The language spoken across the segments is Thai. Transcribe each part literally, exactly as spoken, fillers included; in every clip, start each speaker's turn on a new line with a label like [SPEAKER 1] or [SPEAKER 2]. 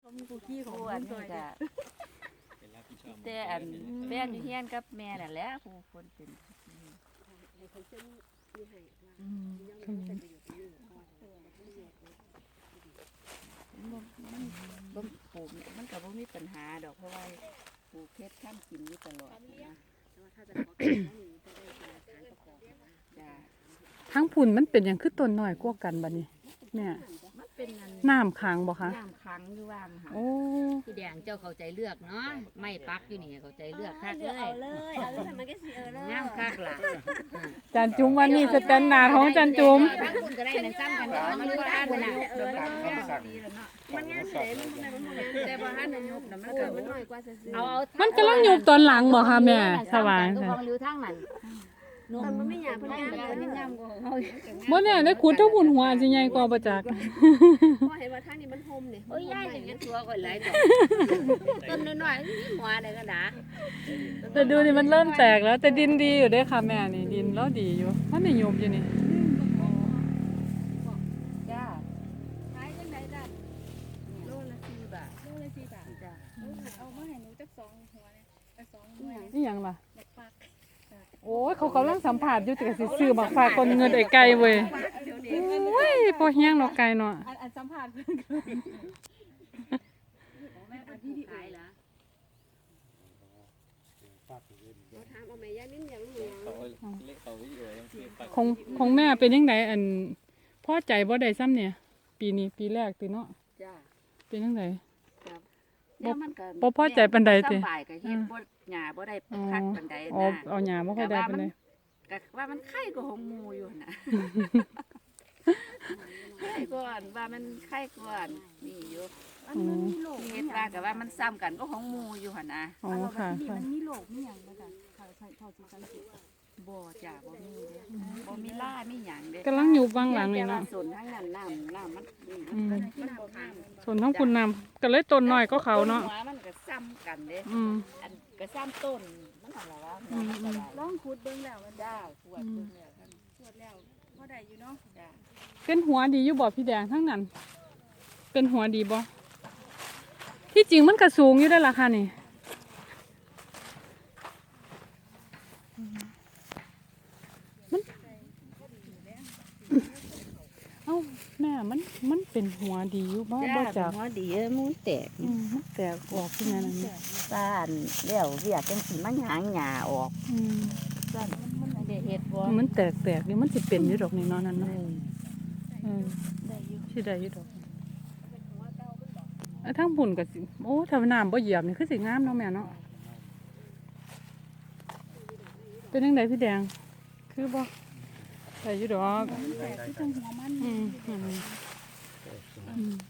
[SPEAKER 1] มีผู้ขี้ของ
[SPEAKER 2] ผู้
[SPEAKER 1] ค
[SPEAKER 2] อัน
[SPEAKER 1] นซ
[SPEAKER 2] นี้
[SPEAKER 1] อย
[SPEAKER 2] ก็
[SPEAKER 3] เป็นรับผิดชอบ
[SPEAKER 2] แต่อันแฟนอยู่เฮียนกับแม่นั่นแหละผู้คนเป็น
[SPEAKER 1] ให้เขาเส้นมีให้ว่า
[SPEAKER 4] อืม
[SPEAKER 1] ยัง
[SPEAKER 4] ข
[SPEAKER 1] ไม่
[SPEAKER 4] มิ้
[SPEAKER 1] เป็น
[SPEAKER 4] น
[SPEAKER 1] ประโยชน์ที่นี่ก่อนเออแล้วก็แยกเลย
[SPEAKER 2] มันมันบ่ปลูกมันก็บ่มีปัญหาดอกเพราะว่าปลูกเพชรท่านกินอยู่ตลอดนะ
[SPEAKER 1] แต่ว่าถ้าจะขอกินแล้วนี่จะได้เป็นฐานประกอบนะ
[SPEAKER 2] จ้า
[SPEAKER 4] ทั้งพุ่นมันเป็นอย่างคือต้นน้อยกว่ากันบัดนี้เนี่ย
[SPEAKER 2] มันเป็นอัน
[SPEAKER 4] น้ำค้างบ่คะ
[SPEAKER 2] น้ำขังอยู่ว่างค่ะ
[SPEAKER 4] โอ้
[SPEAKER 5] พี่แดงเจ้าเข้าใจเลือกเนาะไม่ปักอยู่นี่เข้าใจเลือกคัก
[SPEAKER 1] เลื
[SPEAKER 5] เล
[SPEAKER 1] อกเอา
[SPEAKER 5] ย
[SPEAKER 1] เลยเอาเลยมันก็สิเออเลย
[SPEAKER 5] งามคักล่ะ
[SPEAKER 4] จานจุ๋มวันนี้สแตนดาร์ดของจานจุ๋ม
[SPEAKER 5] ทั้งคุณก็ได้ในซ้ำกันเนาะมันก็อันน่ะ
[SPEAKER 1] เออเลย
[SPEAKER 2] ดีแล้วเนาะ
[SPEAKER 1] มันงานเสร็จมันมันมันมัน
[SPEAKER 2] แต่บ่ทันได้ยกน่ะมัน
[SPEAKER 1] เอ
[SPEAKER 2] ก็
[SPEAKER 1] อมันน้อยกว่าซื่อ
[SPEAKER 5] เอาเอา
[SPEAKER 4] มันกำลังอยู่ตอนหลังบ่คะแม่สว่าง
[SPEAKER 5] ก็
[SPEAKER 4] ค่ะ
[SPEAKER 5] ของริ้วทางนั้น
[SPEAKER 1] ๆแต่มันไม่หยาบมันงาม
[SPEAKER 2] อัน
[SPEAKER 1] เล
[SPEAKER 2] นี้
[SPEAKER 1] ย
[SPEAKER 2] งามกว่าของเฮา
[SPEAKER 4] บ่เนี่ยได้ขุดทั้งพุ่นหัวอาจสิใหญ่กว่าบ่จัก
[SPEAKER 1] พอเห็นว่าทางนี้มันโฮมเนี่ย
[SPEAKER 5] โอ้ยยายจะเห็นตัวข่อยหลายดอกต้นน้อยๆนี่หัวได้ก็ดา
[SPEAKER 4] แต่ดูนี่มันเริ่มแตกแล้วแต่ดินดีอยู่เด้อค่ะแม่นี่ดินแล้วดีอยู่มันได้ยุบอยู่นี่
[SPEAKER 2] จ้า
[SPEAKER 1] ขายจังได๋จ้ะ
[SPEAKER 2] โลละสี่บาท
[SPEAKER 1] โลละสี่บาท
[SPEAKER 2] จ้า
[SPEAKER 1] เอามาให้หนูจักสองหัวเนี่ยจักสองหัว
[SPEAKER 4] นี่หยังล่ะ
[SPEAKER 1] บักปัก
[SPEAKER 4] โอ้ยเขากำลังสัมผัสอยู่แต่ก็สิซื้อบักฝากคนเงินไอ้ไก่เว้ย
[SPEAKER 1] เดี๋ยวนี้
[SPEAKER 4] โอ้ยพอเฮียงเนาะไก่เนาะ
[SPEAKER 1] อันอันสัมภาษณ์เพิ่น
[SPEAKER 5] แม่เป็นผู้ขายล่ะ
[SPEAKER 1] เราถามเอาแม่ย่านิ่มอย่างหนู
[SPEAKER 3] เขาเล็กเขาอยู่ยังเพียงปาก
[SPEAKER 4] ของของแม่เป็นจังไดอันพอใจบ่ได้ซ้ำเนี่ย ปีนี้ปีแรกติเนาะ
[SPEAKER 2] จ้า
[SPEAKER 4] เป็นจังได
[SPEAKER 2] ครับเดี๋ยวมันก็
[SPEAKER 4] บ่พอใจปานใดติ
[SPEAKER 2] สบายก็เฮ็ดบ่หญ้าบ่ได้คักปานใด
[SPEAKER 4] อ๋อ
[SPEAKER 2] นะ
[SPEAKER 4] เอาหญ้าบ่ค่อยได้ปานใด
[SPEAKER 2] ก็ว่ามันไข่กว่าของหมูอยู่นะ ไข่ก่อนว่ามันไข่ก่อนนี่อยู่
[SPEAKER 1] อันมันมีโรค
[SPEAKER 2] เฮ็ดว่าก็ว่ามันซ้ำกันก็ของหมูอยู่หั่นนะ
[SPEAKER 4] อ๋อค่ะ
[SPEAKER 1] ที่
[SPEAKER 4] ค่ะ
[SPEAKER 1] มันมีโรคมีหยังบ่จ้ะเขาใช้เท่าที่สังเกต
[SPEAKER 2] บ่จ้าบ่มีเด้บ่มีล่ามีหยังเด้
[SPEAKER 4] กำลังอยู่บางหลังนี่
[SPEAKER 2] แต่ว่า
[SPEAKER 4] เนาะ
[SPEAKER 2] ส่วนทั้งนั้นน้ำน้ำมันนี่
[SPEAKER 4] อืม
[SPEAKER 2] มันมันบ่งาม
[SPEAKER 4] ส่วนทั้งคุณนำก็เลยต้นน้อยก็เขาเนาะ
[SPEAKER 2] หัวมันก็ซ้ำกันเด้
[SPEAKER 4] อืม
[SPEAKER 2] อันก็ซ้ำต้นมันนั่นล่ะว่าหัวมันก็ได้
[SPEAKER 1] ลองขุดเบิ่งแล้วมัน
[SPEAKER 2] จ้าปวดเบิ่งแล้วท่าน
[SPEAKER 1] ตรวจแล้วพอได้อยู่เนาะ
[SPEAKER 2] จ้า
[SPEAKER 4] เป็นหัวดีอยู่บ่พี่แดงทั้งนั้น เป็นหัวดีบ่ที่จริงมันก็สูงอยู่ได้อล่ะค่ะนี่มันเอ้าแม่มันมันเป็นหัวดีอยู่บ่บ่จัก
[SPEAKER 2] หัวดีเอ้ยมันแตก
[SPEAKER 4] อืมมันแตกออกขึ้นมานั่นนี่
[SPEAKER 2] บ้านแล้วเรียกจังสิมันหางหญ้าออก
[SPEAKER 4] อืม
[SPEAKER 2] ซั่นมันไม่ได้เฮ็ดบ่
[SPEAKER 4] มันแตกแตกนี่มันสิเป็นอยู่ดอกนี่เนาะนั่น
[SPEAKER 2] เอ
[SPEAKER 4] เนาะ
[SPEAKER 2] อ
[SPEAKER 4] เออ
[SPEAKER 2] ได้อยู่
[SPEAKER 4] สิได้อยู่ดอกไอ้ทั้งบุญก็สิโอ้ถ้าน้ำบ่เหยียบนี่คือสิงามเนาะแม่เนาะเป็นจังไดพี่แดง คือบ่ได้อยู่ดอก
[SPEAKER 1] แต่ที่ตรงหัวมัน
[SPEAKER 4] อืมอืมอืม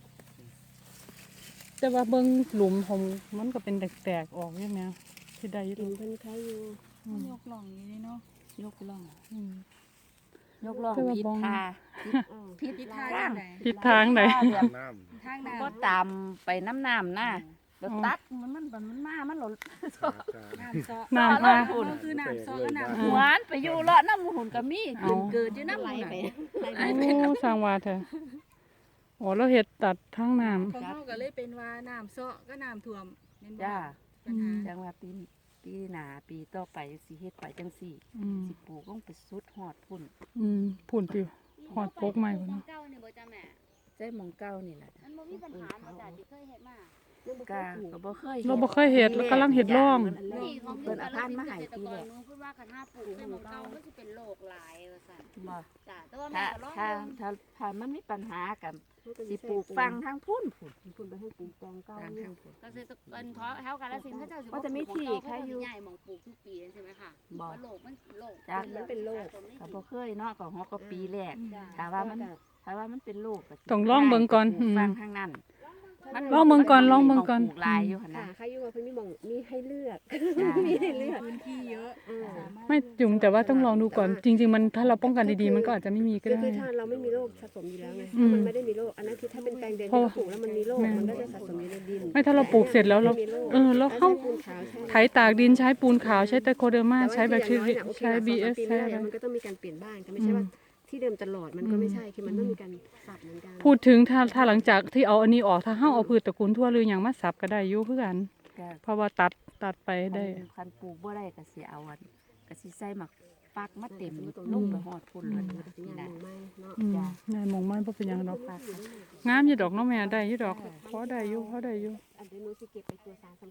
[SPEAKER 4] แต่ว่าเบิ่งหลุมผมมันก็เป็นแตกๆออกอยู่แม่สิได้อยู่ด
[SPEAKER 1] กิ
[SPEAKER 4] อนก
[SPEAKER 1] เพิ่นใครอยู่
[SPEAKER 4] อืม
[SPEAKER 1] ยกล่องอยู่นี่เนาะ
[SPEAKER 2] ยกล่อง
[SPEAKER 4] อืม
[SPEAKER 2] ยกล่อง
[SPEAKER 4] แต่ว่า
[SPEAKER 2] ผิด
[SPEAKER 4] บ่ง
[SPEAKER 2] ทา
[SPEAKER 1] อือ
[SPEAKER 2] ผิด
[SPEAKER 1] ผิด
[SPEAKER 2] ทา
[SPEAKER 1] ทาง
[SPEAKER 2] ง
[SPEAKER 1] ไหน
[SPEAKER 4] ผิดทางใด
[SPEAKER 2] แบบ
[SPEAKER 3] น้
[SPEAKER 1] ทางน้
[SPEAKER 2] ก็ตามไปน้ำน้ำนะแล้วตัดมันมันมันมันมามันหล่น
[SPEAKER 1] ำน้ำซอ
[SPEAKER 4] น้ำ
[SPEAKER 2] มา
[SPEAKER 4] มา
[SPEAKER 2] หุ่น
[SPEAKER 1] ก็คือน้ำซอก็น้ำ
[SPEAKER 2] หวานไปอยู่เลาะน้ำหุ่นก็มีขึ้นเกิดอยู่น้ำ
[SPEAKER 1] ไหล
[SPEAKER 2] หุ่น
[SPEAKER 1] ไป
[SPEAKER 2] น่ะ
[SPEAKER 1] ไหลไป
[SPEAKER 4] โอ้สร้างว่าเถอะโอ้เราเฮ็ดตัดทางน้ำ
[SPEAKER 1] ของเฮาก็เลยเป็นว่าน้ำซอก็น้ำท่วมแม่นบ่
[SPEAKER 2] จ้า
[SPEAKER 1] ปัญหา
[SPEAKER 2] จังว่าปีปีหน้าปีต่อไปสิเฮ็ดไปจังสี่
[SPEAKER 4] อืม
[SPEAKER 2] สิปลูกต้องไปสุดหอดพุ่น
[SPEAKER 4] อืมพุ่นปิวหอดปกใหม่พุ่น
[SPEAKER 5] ขอ
[SPEAKER 4] เนาะ
[SPEAKER 5] งเก่านี่บ่จ้าแม่
[SPEAKER 2] ใช้หมองเก้านี่แหละ
[SPEAKER 5] มันบ่มีปัญหาบ่จ้าที่เคยเฮ็ดมา
[SPEAKER 2] กาก็บ่เคย
[SPEAKER 4] เราบ่เคยเฮ็ดแล้วกำลังเฮ็ดร่อง
[SPEAKER 5] นี่ของ
[SPEAKER 2] เพิ่นเอาพันธุ์มาให้
[SPEAKER 5] เกษตร
[SPEAKER 2] ปี
[SPEAKER 5] ก
[SPEAKER 2] แร
[SPEAKER 5] ร
[SPEAKER 2] ก
[SPEAKER 5] หนูพูดว่าคันห้าปลูกในหมู่เก่ามันสิเป็นโรคหลายว่าซั่น
[SPEAKER 2] บ่
[SPEAKER 5] จ้าแต่ว่าแม่
[SPEAKER 2] ถ้า
[SPEAKER 5] ก็ลอง
[SPEAKER 2] ถ้า
[SPEAKER 5] เบิ่ง
[SPEAKER 2] ถ้าถ้ามันมีปัญหากันสิปลูกฟังทั้งพุ่นพุ่น
[SPEAKER 1] คุณไปให้ปลูกแตงเก้า
[SPEAKER 2] ทาง
[SPEAKER 1] อยู่
[SPEAKER 2] ทางพุ่น
[SPEAKER 5] เกษตรกรท้อแถวกาฬสินธุ์เขาเจ้าสิ
[SPEAKER 2] ว่าจะมีที่ใครอยู่
[SPEAKER 5] ใหญ่หมองปลูกทุกปีใช่ไหมคะ
[SPEAKER 2] บ่
[SPEAKER 5] ว่าโรคมันโรค
[SPEAKER 2] จ้ะ
[SPEAKER 1] มันเป็นโรค
[SPEAKER 2] ก็บ่เคยเนาะก็ฮอกก็ปีแรก
[SPEAKER 5] จ้ะ
[SPEAKER 2] ถ้าว่ามันถ้าว่ามันเป็นโรคก็สิ
[SPEAKER 4] ต้องลองเบิ่งก่อน
[SPEAKER 2] ปลู
[SPEAKER 4] อืม
[SPEAKER 2] ฟังทางนั้น
[SPEAKER 4] ลองเบิ่งก่อนลองเบิ่งก่อน
[SPEAKER 2] ปลูลายอยู่หั่น
[SPEAKER 1] ค่ะ
[SPEAKER 2] นะ
[SPEAKER 1] ใครอยู่ว่าเพิ่นมีหม่องมีให้เลือก
[SPEAKER 2] จ้ะ
[SPEAKER 1] มีให้เลือกพื้นที่เยอะ
[SPEAKER 4] ไม่จุ่มแต่ว่าต้องลองดูก่อน จริง ๆ มันถ้าเราป้องกันดีๆมันก็อาจจะไม่มีก็
[SPEAKER 1] คือ
[SPEAKER 4] ได้
[SPEAKER 1] คือถ้าเราไม่มีโรคสะสมอยู่แล้วไง
[SPEAKER 4] อื
[SPEAKER 1] ถ้าม มันไม่ได้มีโรคอันนั้นคือถ้าเป็นแปลงแดง
[SPEAKER 4] เพราะ
[SPEAKER 1] ที่เราปลูกแล้วมันมีโรค
[SPEAKER 4] แม่
[SPEAKER 1] มันก็จะสะสมอยู่ในดิน
[SPEAKER 4] ไม่ถ้าเราปลูกเสร็จแล้วเรา
[SPEAKER 1] ไม่มีโค
[SPEAKER 4] เออแล้วเข้า
[SPEAKER 1] ใช้ปูนขาวใช่
[SPEAKER 4] ไถตากดินใช้ปูนขาวใช้ไตรโคเดอร์มา
[SPEAKER 1] แต่ว่า
[SPEAKER 4] ใช้แบคที
[SPEAKER 1] ที่
[SPEAKER 4] เรีย
[SPEAKER 1] อย่างน้อยน่ะโอเค
[SPEAKER 4] ใช้
[SPEAKER 1] ละ
[SPEAKER 4] บี
[SPEAKER 1] ส
[SPEAKER 4] เอ
[SPEAKER 1] อง
[SPEAKER 4] ส
[SPEAKER 1] ปี
[SPEAKER 4] ใช้
[SPEAKER 1] แรก
[SPEAKER 4] อะไร
[SPEAKER 1] มันก็ต้องมีการเปลี่ยนบ้านก็ไม่ใช่ว่า
[SPEAKER 6] ที่เดิมตลอดมันก็ไม่ใช่คือมันต้องมีการสับเหมือนกัน
[SPEAKER 4] พูดถึงถ้าถ้าหลังจากที่เอาอันนี้ออกถ้าเฮาเอาพืชตระกูลทั่วหรือหยังมาสับก็ได้อยู่คือกัน
[SPEAKER 2] ก็
[SPEAKER 4] เพราะว่าตัดตัดไปได้
[SPEAKER 2] คันคันปลูกบ่ได้ก็สิเอาอันก็สิใส่หมักปักมาเต็มลงไปฮอดพุ่นเลย
[SPEAKER 6] เป็นงาน
[SPEAKER 2] นะ
[SPEAKER 6] มองไม่เนาะ
[SPEAKER 4] อืมได้มองมันบ่เป็นหยังดอกงามอยู่ดอกเนาะแม่ได้อยู่ดอกพอได้อยู่พอได้อยู่
[SPEAKER 6] อันเดี๋ยวหนูสิเก็บไปตัวสาร